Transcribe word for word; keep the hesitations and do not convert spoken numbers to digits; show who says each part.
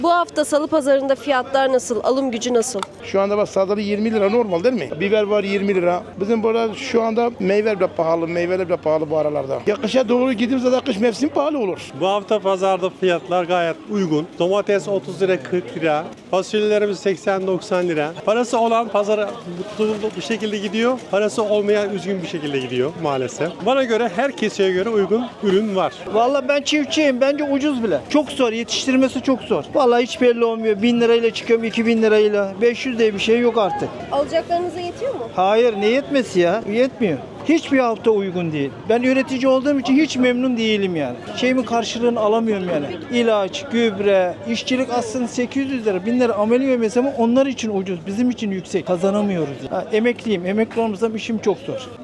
Speaker 1: Bu hafta salı pazarında fiyatlar nasıl? Alım gücü nasıl?
Speaker 2: Şu anda bak salatalık yirmi lira normal değil mi? Biber var yirmi lira. Bizim burada şu anda meyve bile pahalı, meyveler bile pahalı bu aralarda. Ya kışa doğru gidince zaten kış mevsimi pahalı olur.
Speaker 3: Bu hafta pazarda fiyatlar gayet uygun. Domates otuz lira kırk lira. Fasulyelerimiz seksen doksan lira. Parası olan pazara mutlu bir şekilde gidiyor. Parası olmayan üzgün bir şekilde gidiyor maalesef. Bana göre her keseye göre uygun ürün var.
Speaker 4: Vallahi ben çiftçiyim. Bence ucuz bile. Çok zor. Yetiştirmesi çok zor. Vallahi hiç belli olmuyor. bin lirayla çıkıyorum, iki bin lirayla. beş yüz diye bir şey yok artık.
Speaker 1: Alacaklarınıza yetiyor mu?
Speaker 4: Hayır, ne yetmesi ya? Yetmiyor. Hiçbir hafta uygun değil. Ben üretici olduğum için hiç memnun değilim yani. Şeyimin karşılığını alamıyorum yani. İlaç, gübre, işçilik aslında sekiz yüz lira, bin lira ameliye mesela onlar için ucuz, bizim için yüksek. Kazanamıyoruz. Ha, emekliyim, emekli olmasam işim çok zor.